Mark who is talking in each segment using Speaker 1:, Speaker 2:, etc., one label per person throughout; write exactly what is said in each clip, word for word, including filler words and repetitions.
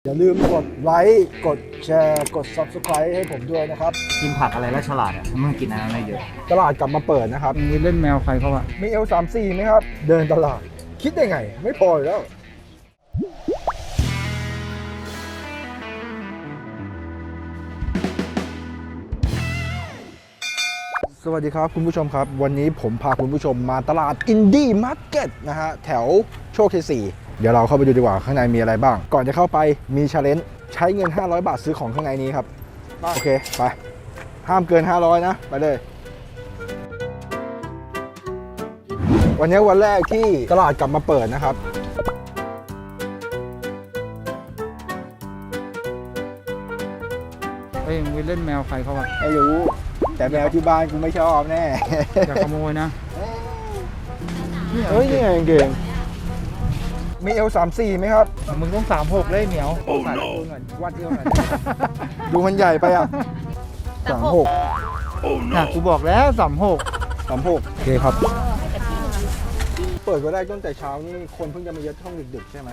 Speaker 1: อย่าลืมกดไลค์กดแชร์กด ซับสไครบ์ ให้ผมด้วยนะครับ
Speaker 2: กินผักอะไรแล้วฉลาดอ่ะมึงกินอะไรไม่เยอะ
Speaker 1: ตลาดกลับมาเปิดนะครับ
Speaker 3: มีเล่นแมวใครเขาอะ
Speaker 1: มี เอล สามสิบสี่ ไหมครับ เดินตลาดคิดได้ไงไม่พออยู่แล้วสวัสดีครับคุณผู้ชมครับวันนี้ผมพาคุณผู้ชมมาตลาดอินดี้มาร์เก็ตนะฮะแถวโชคชัยสี่เดี๋ยวเราเข้าไปดูดีกว่าข้างในมีอะไรบ้างก่อนจะเข้าไปมีชาเลนจ์ใช้เงินห้าร้อยบาทซื้อของข้างในนี้ครับโอเคไปห้ามเกินห้าร้อยนะไปเลยวันนี้วันแรกที่ตลาดกลับมาเปิดนะครับ
Speaker 3: เฮ้ยมึงเล่นแมวใครเขาอะ
Speaker 1: ไม่รู้แต่แมวที่บ้านกูไม่ชอบแน่
Speaker 3: อย่าขโมยนะ
Speaker 1: เฮ้ยนี่ไงเก่งมี เอล สามสิบสี่ ไหมครับ
Speaker 3: มึงต้องสามหกเลยเหนียว
Speaker 1: ใส่ดูหน่อยวัดเดียวหน่อยดูมันใหญ่ไปอ่ะสามหก
Speaker 3: น่ะกูบอกแล้วสามหก
Speaker 1: สามหกโอเคครับเปิดก็ได้ตั้งแต่เช้านี่คนเพิ่งจะมาเยอะช่วงดึกๆใช่ไหม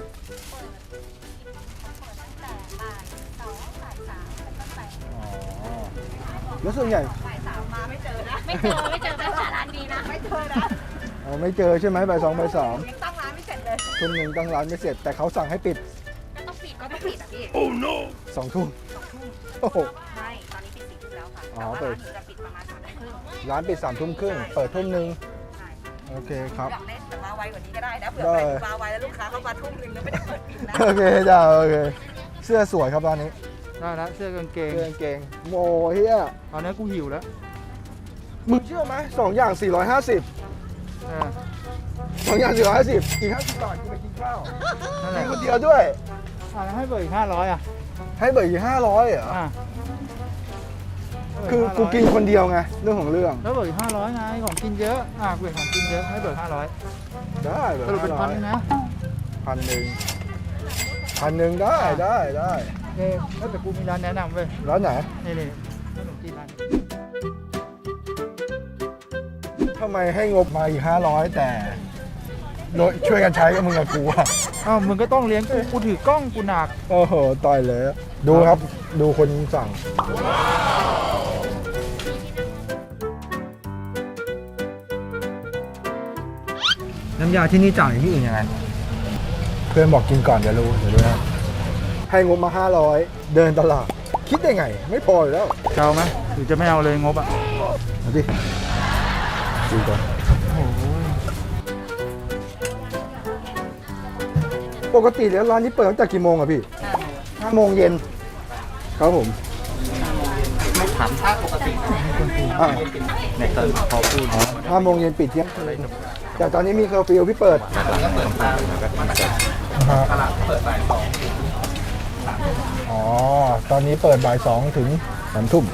Speaker 1: แล้วส่วนใหญ่
Speaker 4: บ่ายสามมาไม่เจอนะไม่เจอไม่เจอแต่ร้านดีนะไม่เจอนะ
Speaker 1: อ๋อไม่เจอใช่ไหมบ่ายสองบ่ายสาม
Speaker 4: ยังตั้งร้านไม่เสร็จเลย
Speaker 1: ทุ่มหนึ่งตั้งร้านไม่เสร็จแต่เขาสั่งให้ปิด
Speaker 4: ก็ต้องปิดก็ต้องปิดอ่ะพี่
Speaker 1: โอ้ no สองทุ่ม
Speaker 4: สองทุ่ม
Speaker 1: โอ้โห
Speaker 4: ไม่ตอนนี้ปิดสี่ทุ่มแล้วค่ะแต่ว่าร้านหนูจะปิดประมาณสามทุ่มครึ่ง
Speaker 1: ร้านปิดสามทุ่มครึ่งเปิดทุ่มหนึ่งโอเคครับ
Speaker 4: อยากเล่นแต่มาไวกว่านี้ก็ได้นะเผื่อไปมาไวแล้วลูกค้าเข้ามาทุ่มหนึ่งแล้วไม่ได้เปิดปิดนะ
Speaker 1: โอเคจ้าโอเคเสื้อสวยครับร้านนี้
Speaker 3: ได้แล้วเสื้อกางเกง
Speaker 1: เสื้อกางเกงโมเฮีย
Speaker 3: ตอนนี้กูหิวแล้ว
Speaker 1: มึงเชื่อไหมสองอย่างสี่ร้อยห้าสิบสองอย่างสี่ร้อยห้าสิบอีกห้าสิบบาทกูไปกินข้าวกินคนเดียวด้วย
Speaker 3: อ่าแล้วให้เบิกอีกห้าร้อยอ่ะ
Speaker 1: ให้เบิกอีกห้าร้อยเหรอคือกูกินคนเดียวไงเรื่องของเรื่อง
Speaker 3: แล้วเบิกอีกห้าร้อยไงของกินเยอะอ่ะกูเห็นของกินเยอะให้เบิกห้าร้อย
Speaker 1: ได้เบิก
Speaker 3: สรุปเป็นพันนะ
Speaker 1: พันหนึ่งพันหนึ่งได้ได้ได้
Speaker 3: โอเคแล้วแต่กูมีร้านแนะนำเว้ย
Speaker 1: ร้านไหน
Speaker 3: นี่นี่ขนมจีนร้าน
Speaker 1: ทำไมให้งบมาอีกห้าร้อยแต่ช่วยกันใช้กับมึงกับกูอ่ะ
Speaker 3: อ้าวมึงก็ต้องเลี้ยงกูกูถือกล้องกูหนัก
Speaker 1: โอ้โหต่อยเลยดูครับดูคนสั่งน้ำยาที่นี่จ่ายที่อื่นยังไงเพื่อนบอกกินก่อนเดี๋ยวรู้เดี๋ยวรู้นะให้งบมาห้าร้อยเดินตลาดคิดได้ไงไม่พออยู่แล้ว
Speaker 3: จะเอาไหมหรือจะไม่เอาเลยงบอ่ะ
Speaker 1: เอาดิดูก่อนปกติแล้วร้านนี้เปิดตั้งแต่กี่โมงอะพี่ห้าโมงเย็นครับผม
Speaker 2: ไม่ถามถ้าปกติในตอนพอพูด
Speaker 1: ห้าโมงเย็นปิดเที่ยงคืนแต่ตอนนี้มีเคอร์ฟิวพี่เปิดตลาดเปิดบ่ายสองอ๋อตอนนี้เปิดบ่ายสองถึงสามทุ่ม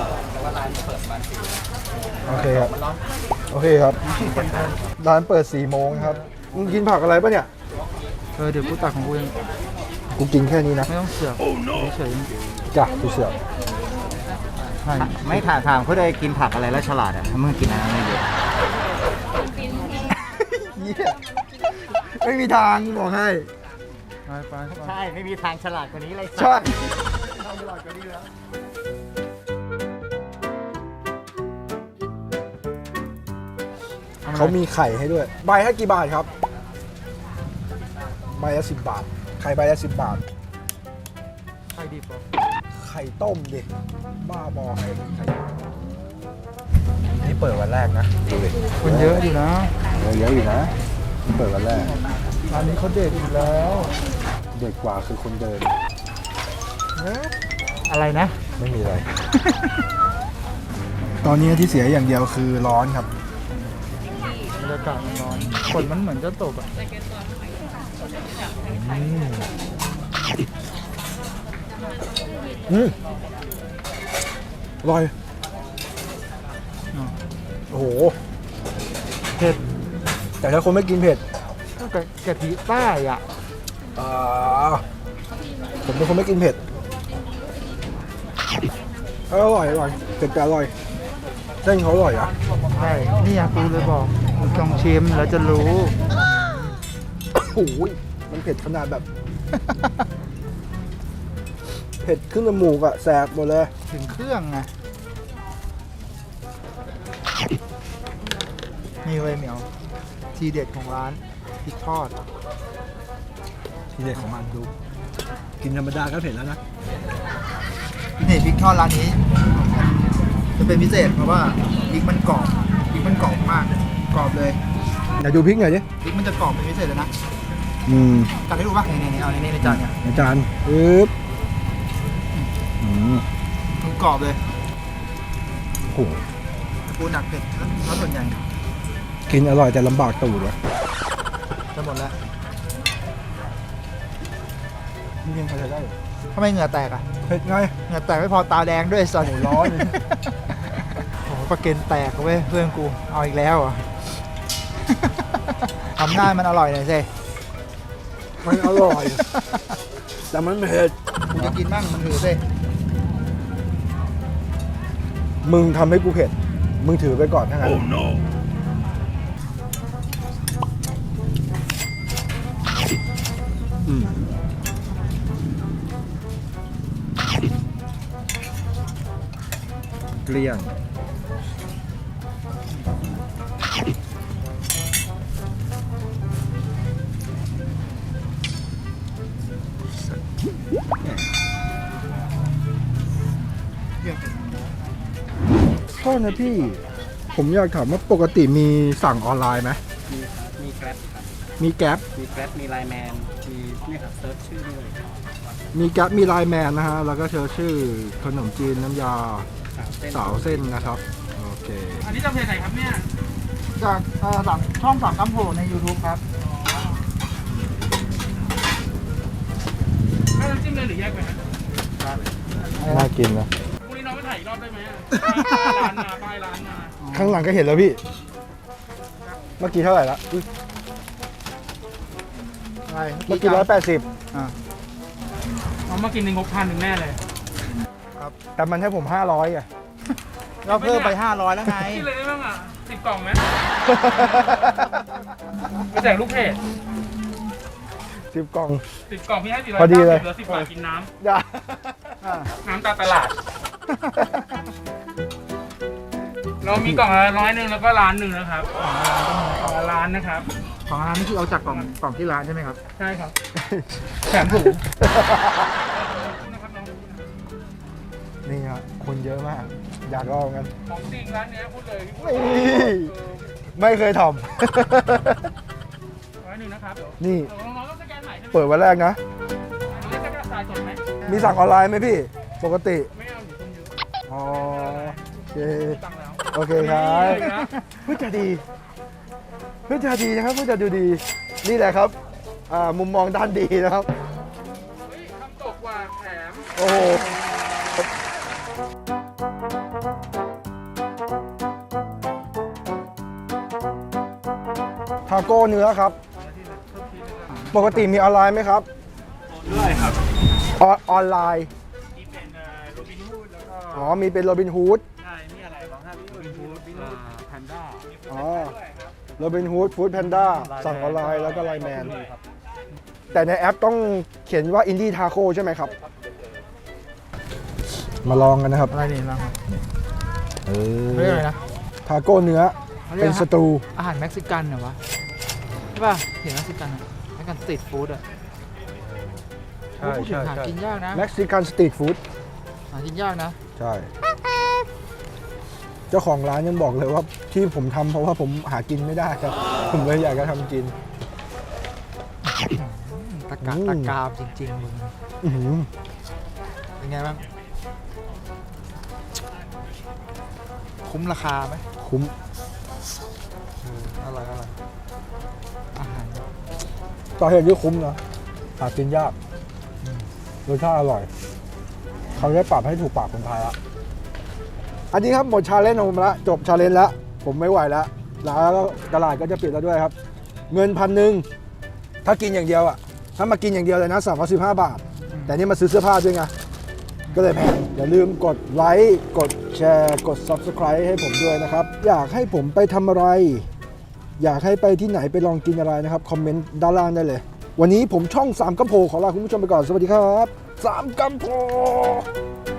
Speaker 1: โอเคครับโอเคครับร้านเปิดสี่โมงครับมึงกินผักอะไรปะเนี่ย
Speaker 3: เออเดี๋ยวกูตักของกูเอง
Speaker 1: กูกินแค่นี้นะ
Speaker 3: ไม่ต้องเสือกเฉย
Speaker 1: จ้ะกูเสือก
Speaker 2: ไม่ถามถามเขาเลยกินผักอะไรแล้วฉลาดอ่ะมึงกินอะไรไม่เยอะ
Speaker 1: ไม่มีทางบอกให้
Speaker 3: ไปไป
Speaker 2: ใช่ไม่มีทางฉลาดกว่านี้เลย
Speaker 1: ใช่ฉลาดกว่านี้แล้วเขามีไข่ให้ด้วยใบให้กี่บาทครับใบละสิบบาทไข่ใบละสิบบาท
Speaker 3: ไข่ดิบเหรอ
Speaker 1: ไข่ต้มดิบ้าบอไข่ไข่นี่เปิดวันแรกนะดูดิ
Speaker 3: คนเยอะอยู่นะ
Speaker 1: เยอะอยู่นะนี่เปิดวันแรก
Speaker 3: ร้านนี้เขาเด็กอีกแล้ว
Speaker 1: เด็กกว่าคือคนเดิน
Speaker 3: อะไรนะ
Speaker 1: ไม่มีอะไร ตอนนี้ที่เสียอย่างเดียวคือร้อนครับ
Speaker 3: บรรยากาศมันร้อนฝนมันเหมือนจะตกอ่ะ
Speaker 1: อืมอร่อยโอ้โห
Speaker 3: เผ็ด
Speaker 1: แต่ถ้าคนไม่กินเผ็ด
Speaker 3: ก็กะทิใต้อ่ะ
Speaker 1: ผมเป็นคนไม่กินเผ็ดอร่อยอร่อยเผ็ดแต่อร่อยเส้นเขาอร่อยอ่ะ
Speaker 3: ใช่นี่อยากกูเลยบอกลองชิมแล้วจะรู้
Speaker 1: โอ้ยมันเผ็ดขนาดแบบผ็ดขึ้นจมูกอะแสบหมดเลย
Speaker 3: ถึงเครื่องไงนี่เว้ยเหมียวทีเด็ดของร้านพริกทอด
Speaker 1: ทีเด็ดของมันดู กินธรรมดาก็เผ็ดแล้วนะ
Speaker 3: นี่พริกทอดร้านนี้จะเป็นพิเศษเพราะว่าพริกมันกรอบพริกมันกรอบมากกรอบเลย
Speaker 1: เดี๋ยวดูพริกหน่อยดิ
Speaker 3: พริกมันจะกรอบเป็นพิเศษเลยนะ
Speaker 1: อืม
Speaker 3: ตักให้ดูป่ะนี่ๆเอาในนี้ในจานเนี่ย
Speaker 1: อาจารย์ปึ๊บอืม
Speaker 3: มันกรอบเลย
Speaker 1: โอ้โห
Speaker 3: ปูหนักเผ็ดแล้วส่วนใหญ่
Speaker 1: กินอร่อยแต่ลำบากตูดวะ
Speaker 3: จะหมดแล้ว
Speaker 1: นี่ยังพอใช้ได้อยู่
Speaker 3: ทำไมเหงื่อแตกอ่ะ
Speaker 1: เผ็ดไง
Speaker 3: เหงื่อแตกไม่พอตาแดงด้วยสัตว์
Speaker 1: โอ้ร้อน
Speaker 3: โอ้โหปลาเก็นแตกเว้ยเพื่อนกูเอาอีกแล้วเหรอ่ะ ทำหน้ามันอร่อยหน่อยสิ
Speaker 1: มันอร่อย แต่มันเผ็ด
Speaker 3: กูจะกินบ้างมันถือสิ
Speaker 1: มึงทำให้กูเผ็ด มึงถือไปก่อนทั้างนั้น oh, no. อืมเกลี้ยง โทษนะพี่ ผมอยากถามว่าปกติมีสั่งออนไลน์ไหม
Speaker 2: มีมีแกร็บครับ
Speaker 1: มีแก๊ป
Speaker 2: มีแกร็บมีไลน์แมนมีเนี่ยครับเซิร์ชชื่อได้เลย
Speaker 1: มีแก๊ปมีไลน์แมนนะฮะ แล้วก็เชิญชื่อขนมจีนน้ำยา
Speaker 2: สาวเส้น
Speaker 1: สาวเส้นนะครับ โอเค
Speaker 5: อันนี้จะเพจไหนครับเนี่ย
Speaker 3: จากเอ่อสามช่องสามคำโผล่ใน YouTube ครับ
Speaker 5: ถ้าน้ำจิ้มเลยหรือแยกไปครับ
Speaker 1: น่ากินนะ
Speaker 5: พรุ่งนี้น้องไปถ่ายอีกรอบได้ไหมอะป้ายร้านมาป้ายร้านมา
Speaker 1: ข้างหลังก็เห็นแล้วพี่ เมื่อกี้เท่าไหร่ละอุ๊ย
Speaker 3: อะไร
Speaker 1: เมื่อกี้ร้อยแปดสิบ
Speaker 3: อ่า
Speaker 5: เอามากินในงบพันหนึ่งแน่เลย
Speaker 1: แต่มันให้ผมห้าร้อยอ่ะ
Speaker 3: เราเพิ่มไปห้าร้อยแล้วไง
Speaker 5: กินเลยได้บ้างอ่ะสิบกล่องไหมไปแจกลูกเพจ
Speaker 1: สิบกล่อง
Speaker 5: สิบกล่องพี่ให้สี่ร้อย
Speaker 1: พอดีเลย
Speaker 5: เหลือสิบบาทกินน้
Speaker 1: อย่า
Speaker 3: อ่า
Speaker 5: ำน้ำตาตลาด เรามีกล่องละร้อยหนึ่งแล้วก็ร้านหนึ่งนะครับกล่องละร้านนะครับ
Speaker 3: ของร้านนี่คือเอาจากกล่องกล่องที่ร้านใช่ไหมครับ
Speaker 5: ใช่ครับแถมถุงนะครับน้อง
Speaker 1: นี่ฮะคนเยอะมาก อยากลองกัน
Speaker 5: ของจริงร้านเนี้ยพูดเลยพี่พูด
Speaker 1: ไม่
Speaker 5: เลย
Speaker 1: ไม่เคยท
Speaker 5: ร้อยหนึ่งนะครับ
Speaker 1: ำนี่
Speaker 5: เดี๋ยวน้องๆต้องสแกนใหม่ใช่ไหม
Speaker 1: เปิดวันแรกนะ
Speaker 5: น้องๆจะกระจายสดไหม
Speaker 1: มีสั่งออนไลน์ไหมพี่ ปกติ
Speaker 5: ไม่เอาอยู่คนเดียว
Speaker 1: อ๋อ โอเค
Speaker 5: ตังค์แล้ว
Speaker 1: โอเคครับ
Speaker 5: นี่เลยนะ
Speaker 1: พูดจาดีพูดจาดีนะครับพูดจาดูดี นี่แหละครับอ่ามุมมองด้านดีนะครับ
Speaker 5: เฮ้ยทำตกว่าแถม
Speaker 1: โอ้โหทาโก้เนื้อครับ ปกติมีออนไลน์ไหมครับ
Speaker 5: ด้วยครับ
Speaker 1: ออนออนไลน์
Speaker 5: นี่เป็นโรบินฮูดแล้วก็
Speaker 1: อ๋อ มีเป็นโรบินฮูด
Speaker 5: ใช่นี่อะไรบ้างครับโรบินฮูดบินฮูดแพนด้า
Speaker 1: อ๋อ
Speaker 5: ด้วยครับ
Speaker 1: โรบินฮูดฟู้ดแพนด้าสั่งออนไลน์แล้วก็ไลน์แมน แต่ในแอปต้องเขียนว่าอินดี้ทาโก้ใช่ไหมครับ มาลองกันนะครับ
Speaker 3: อะไรนี่บ้างครับ
Speaker 1: เออ
Speaker 3: เรียกอะไรนะ
Speaker 1: ทาโก้เนื้อ เป็นสตู
Speaker 3: อาหารเม็กซิกันเหรอวะใช่ป่ะเห็นเม็กซิกันอ่ะเม็กซิกันสตรีทฟู้ดอ่ะ
Speaker 1: ใช่
Speaker 3: พูดถึ
Speaker 1: ใช่
Speaker 3: งหา
Speaker 1: ใช่
Speaker 3: กินยากนะ
Speaker 1: เม็กซิกันสตรีทฟู้ด
Speaker 3: หากินยากนะ
Speaker 1: ใช่ เจ้าของร้านยังบอกเลยว่าที่ผมทำเพราะว่าผมหากินไม่ได้ครับ ผมเลยอยากจะทำกิน
Speaker 3: ตะกา
Speaker 1: อืม
Speaker 3: ตะกามจริงๆมึง
Speaker 1: อื้อหือ
Speaker 3: เป็นไงบ้างคุ้มราคาไหม
Speaker 1: คุ้ม
Speaker 3: เอออร่อยอร่อยอาหาร
Speaker 1: ต่อเหตุที่คุ้มนะหากินยากรสชาติอร่อย เขาได้ปรับให้ถูกปากคนไทยละอันนี้ครับหมดชาเลนจ์ของผมละจบชาเลนจ์แล้ว ผมไม่ไหวแล้วร้านก็ตลาดก็จะปิดแล้วด้วยครับ เงินพันหนึ่งถ้ากินอย่างเดียวอ่ะ ถ้ามากินอย่างเดียวเลยนะสามร้อยสิบห้าบาท แต่นี่มาซื้อเสื้อผ้าด้วยไง ก็เลยแพง อย่าลืมกดไลค์ กดแชร์ กด Subscribe ให้ผมด้วยนะครับ อยากให้ผมไปทำอะไร อยากให้ไปที่ไหนไปลองกินอะไรนะครับ คอมเมนต์ด้านล่างได้เลย วันนี้ผมช่องสามกำโพขอลาคุณผู้ชมไปก่อน สวัสดีครับสามกรัมพอ